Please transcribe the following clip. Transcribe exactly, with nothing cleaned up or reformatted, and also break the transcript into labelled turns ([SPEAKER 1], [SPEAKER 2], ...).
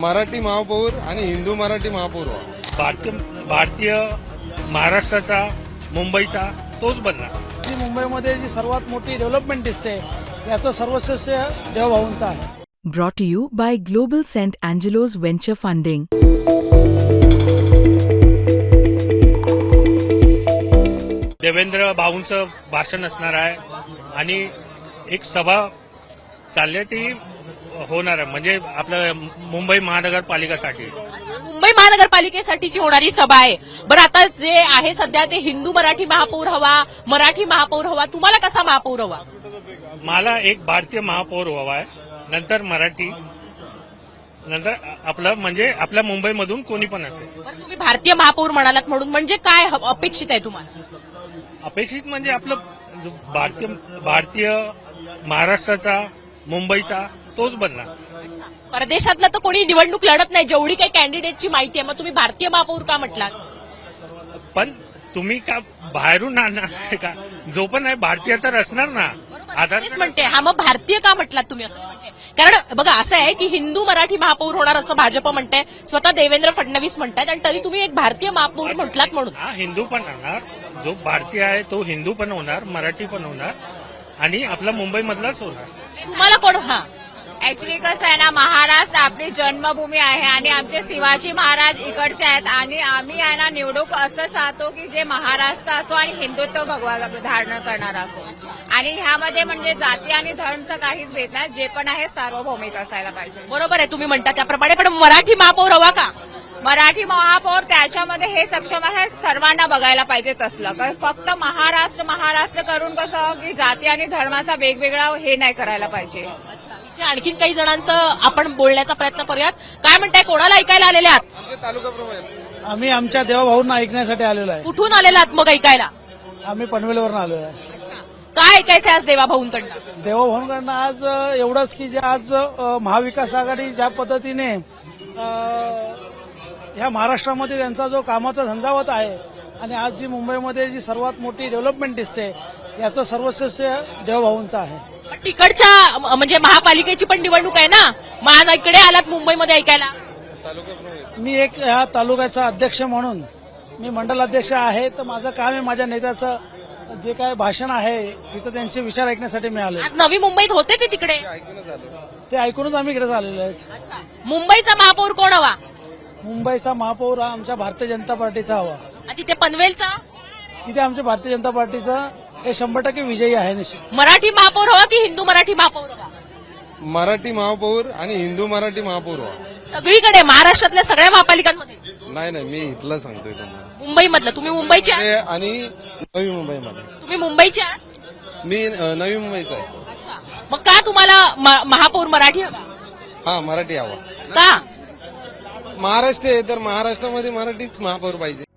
[SPEAKER 1] मराठी महापौर आणि हिंदू मराठी महापौर व्हा.
[SPEAKER 2] भारतीय भारतीय महाराष्ट्राचा मुंबईचा तोच बनणार.
[SPEAKER 3] जी मुंबईमध्ये जी सर्वात मोठी डेव्हलपमेंट दिसते याचं सर्वस्व देवभाऊंचं आहे.
[SPEAKER 4] Brought to you by Global Saint Angelo's Venture Funding.
[SPEAKER 2] Devendra भाऊंचं भाषण असणार आहे आणि एक सभा चालली ती होणार आहे, म्हणजे आपलं मुंबई महानगरपालिकासाठी.
[SPEAKER 5] मुंबई महानगरपालिकेसाठीची होणारी सभा आहे. बरं, आता जे आहे सध्या ते हिंदू मराठी महापौर हवा, मराठी महापौर हवा, तुम्हाला कसा महापौर हवा?
[SPEAKER 2] मला एक भारतीय महापौर हवा आहे, नंतर मराठी, नंतर आपलं म्हणजे आपल्या मुंबईमधून कोणी पण असेल.
[SPEAKER 5] बरं, तुम्ही भारतीय महापौर म्हणालात म्हणून म्हणजे काय ह- अपेक्षित आहे तुम्हाला?
[SPEAKER 2] अपेक्षित म्हणजे आपलं जो भारतीय भारतीय महाराष्ट्राचा मुंबईचा तोच बनणार.
[SPEAKER 5] परदेशातलं तर कोणी निवडणूक लढत नाही, जेवढी काही कॅन्डिडेटची माहिती आहे. मग तुम्ही भारतीय महापौर का म्हटलात?
[SPEAKER 2] पण तुम्ही का बाहेरून आणणार आहे का? जो पण आहे भारतीय तर असणार ना. आधार
[SPEAKER 5] तेच म्हणते. हा, मग भारतीय का म्हटलात तुम्ही असं म्हणते? कारण बघा असं आहे की हिंदू मराठी महापौर होणार असं भाजप म्हणते, स्वतः देवेंद्र फडणवीस म्हणतात, आणि तरी तुम्ही एक भारतीय महापौर म्हटलात म्हणून.
[SPEAKER 2] हा, हिंदू पण होणार, जो भारतीय आहे तो हिंदू पण होणार, मराठी पण होणार आणि आपला मुंबईमधलाच होणार.
[SPEAKER 5] तुम्हाला कोण? हा,
[SPEAKER 6] ऍक्च्युली कसं आहे ना, महाराष्ट्र आपली जन्मभूमी आहे आणि आमचे शिवाजी महाराज इकडचे आहेत आणि आम्ही आहे ना निवडणूक असं चाहतो की जे महाराष्ट्र असो आणि हिंदुत्व भगवा धारण करणारा असो. आणि ह्यामध्ये म्हणजे जाती आणि धर्मचं काहीच भेद नाही, जे पण आहे सार्वभौमिक असायला पाहिजे.
[SPEAKER 5] बरोबर आहे तुम्ही म्हणता त्याप्रमाणे. पण मराठी महापौर हवा का?
[SPEAKER 6] मराठी महापौर त्याच्यामध्ये हे सक्षम आहे, सर्वांना बघायला पाहिजे तसलं. कारण फक्त महाराष्ट्र महाराष्ट्र करून कसं की जाती आणि धर्माचा वेगवेगळा हे नाही करायला पाहिजे.
[SPEAKER 5] इथे आणखीन काही जणांचं आपण बोलण्याचा प्रयत्न करूयात. काय म्हणताय, कोणाला ऐकायला आलेले आहात?
[SPEAKER 1] तालुका
[SPEAKER 3] आम्ही आमच्या देवभाऊंना ऐकण्यासाठी आलेलो आहे.
[SPEAKER 5] कुठून आलेला आहात मग ऐकायला?
[SPEAKER 3] आम्ही पनवेलवरून आलेलो आहे.
[SPEAKER 5] काय ऐकायचं आज देवा भाऊंकडनं?
[SPEAKER 3] देवभाऊंकडनं आज अ, एवढंच की जे आज अ, महाविकास आघाडी ज्या पद्धतीने अ, ह्या महाराष्ट्रामध्ये त्यांचा जो कामाचा झंझावत आहे आणि आज जी मुंबईमध्ये जी सर्वात मोठी डेव्हलपमेंट दिसते याचं सर्वस्व देवभाऊंचं आहे.
[SPEAKER 5] तिकडच्या म- म्हणजे महापालिकेची पण निवडणूक आहे ना, मग आज इकडे आलात मुंबईमध्ये ऐकायला?
[SPEAKER 3] मी एक ह्या तालुक्याचा अध्यक्ष म्हणून मी मंडल अध्यक्ष आहे, तर माझं काम आहे माझ्या नेत्याचं जे काय भाषण आहे तिथं त्यांचे विचार ऐकण्यासाठी मी आलो.
[SPEAKER 5] आज नवी मुंबईत होते ते तिकडे.
[SPEAKER 3] ते ऐकूनच आम्ही इकडे आलेलो आहेत.
[SPEAKER 5] मुंबईचा महापौर कोण हवा?
[SPEAKER 3] मुंबईचा महापौर हा आमच्या भारतीय जनता पार्टीचा हवा.
[SPEAKER 5] आणि तिथे पनवेलचा
[SPEAKER 3] तिथे आमच्या भारतीय जनता पार्टीचा हे शंभर टक्के विजयी आहे निश्चित.
[SPEAKER 5] मराठी महापौर हवा की हिंदू मराठी महापौर हवा?
[SPEAKER 1] मराठी महापौर आणि हिंदू मराठी महापौर व्हा.
[SPEAKER 5] सगळीकडे महाराष्ट्रातल्या सगळ्या महापालिकांमध्ये?
[SPEAKER 1] नाही नाही, मी इथलं सांगतोय तुम्हाला.
[SPEAKER 5] मुंबईमधलं. तुम्ही मुंबईचे आहात?
[SPEAKER 1] ते आणि नवी मुंबईमध्ये.
[SPEAKER 5] तुम्ही मुंबईचे आहात?
[SPEAKER 1] मी अ, नवी मुंबईचा आहे.
[SPEAKER 5] अच्छा. मग का तुम्हाला म- महापौर मराठी हवा?
[SPEAKER 1] हा, मराठी हवा.
[SPEAKER 5] का?
[SPEAKER 1] महाराष्ट्र आहे तर महाराष्ट्रामध्ये मराठीच महापौर पाहिजे.